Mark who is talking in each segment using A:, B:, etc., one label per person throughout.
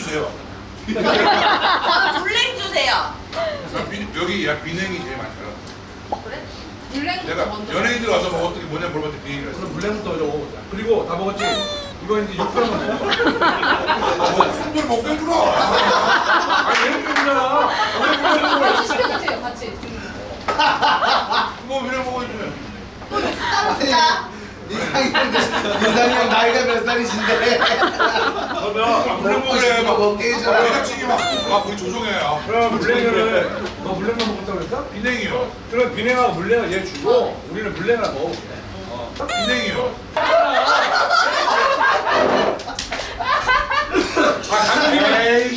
A: 주세요.
B: 저는 블랙 주세요.
A: 여기 야 비냉이 제일 많더라.
B: 그래? 블랙
A: 내가
B: 먼저.
A: 연예인들 와서 뭐 어떻게 뭐냐 물어봤더니 비냉이라 했어.
C: 그럼 물냉부터 먹어. 그리고 다 먹었지? 이거 이제 6kg만 먹어.
A: 손들 먹게 해주라.
C: 아니 얘는 먹잖아.
B: 같이 시켜주세요. 같이.
A: 뭐 비냉 먹어주면.
B: 따로 주자.
D: 인상이 형 나이가 몇 살이신데?
C: 그러면
A: 물냉 먹으래 막.
D: 먹게 해줘라.
A: 부대찌개 막 우리 조종해.
C: 그럼 물냉을 너 물냉만 먹었다고 그랬어?
A: 비냉이요.
C: 그럼 비냉하고 물냉을 얘 주고 우리는 물냉을 먹어볼게.
A: 비냉이요. 아 감독님이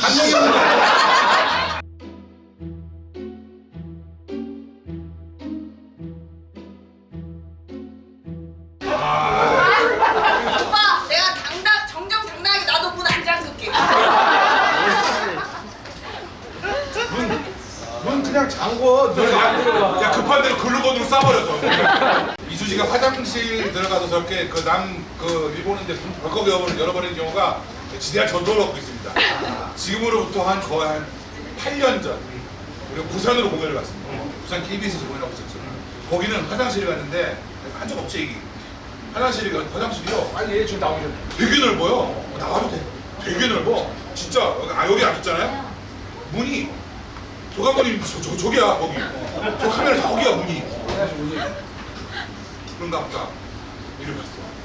B: 오빠, 내가 정정당당하게 나도 문 안 잠글게.
C: 넌 그냥 잠궈. 너안 들어가.
A: 야 급한 대로 글루건으로 싸버려서. 이수지가 화장실 들어가서 저렇게 그 일본인데 벌컥 열어버리는 경우가 지대한 전도를 얻고 있습니다. 지금으로부터 거의 한 8년 전 우리가 부산으로 공연을 갔습니다. 부산 KBS에서 공연하고 있었죠. 거기는 화장실에 갔는데 한 적 없지 얘기. 화장실이요.
C: 빨리 얘 지금 나오죠.
A: 되게 넓어요. 나와도 돼. 되게 넓어. 진짜 여기 앉았잖아요. 문이 조감독님 저기야 거기. 저 카메라 저기야 문이. 그런가 보다. 이리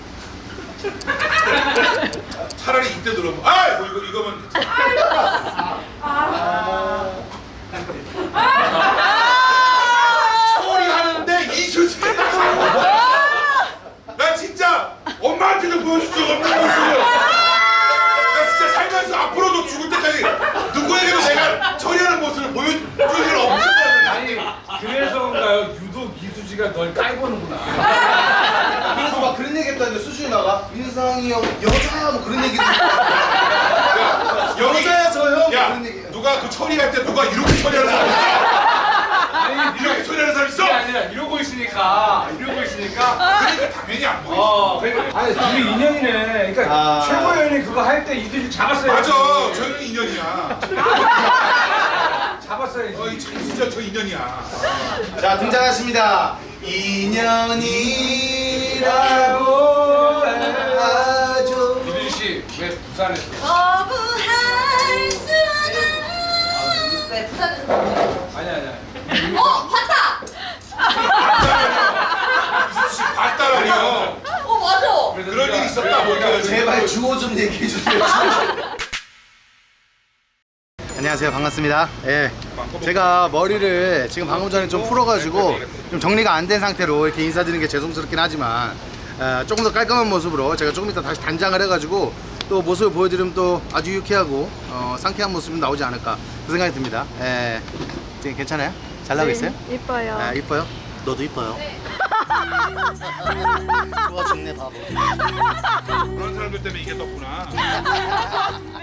A: 갔어. 차라리 이때 들어보면 뭐 이거면 괜찮아. 처리하는데 이수지. 나 진짜 엄마한테도 보여줄 적 없는 모습을. 나 진짜 살면서 앞으로도 죽을 때까지 누구에게도 내가 처리하는 모습을 보여줄 일은 없을 거야.
C: 아니 그래서인가요? 유독 이수지가 널 깔보는구나.
D: 그래서 막 그런 얘기 했다는데 수준이 나가 민상이 형 여자야 뭐 그런 얘기도
A: 야, 여기
D: 여자야 저 형
A: 야
D: 그런 얘기
A: 누가 그 처리할 때 누가 이렇게 처리하는 사람 있어?
C: 아니
A: 이렇게 처리하는 사람 있어?
C: 그게 아니라 이러고 있으니까
A: 그러니까 당연히 안 보이지.
C: 그러니까 아니 둘이 인연이네. 그러니까 최고의 연이 그거 할 때 이수지 잡았어요.
A: 맞아, 저는 인연이야.
C: 잡았어야지.
A: 진짜 저 인연이야.
D: 자 등장하십니다 인연이라고 하죠
C: 이준 씨왜 부산에서?
B: 거부할 수 없는. 왜 부산에서?
C: 아니.
B: 봤다.
A: 이수씨 봤다라니요.
B: 맞아.
A: 그런 일이 있었다 뭐 이렇게.
D: 제발 주호 좀 얘기해 주세요 안녕하세요 반갑습니다 예, 제가 머리를 지금 방금 전에 좀 풀어가지고 좀 정리가 안 된 상태로 이렇게 인사드리는 게 죄송스럽긴 하지만 조금 더 깔끔한 모습으로 제가 조금 이따 다시 단장을 해가지고 또 모습을 보여드리면 또 아주 유쾌하고 상쾌한 모습이 나오지 않을까 그 생각이 듭니다. 예, 지금 괜찮아요? 잘 나오고 있어요?
E: 이뻐요.
D: 아, 이뻐요? 너도 이뻐요. 좋아 죽네 바보.
A: 그런 사람들 때문에 이게 떴구나.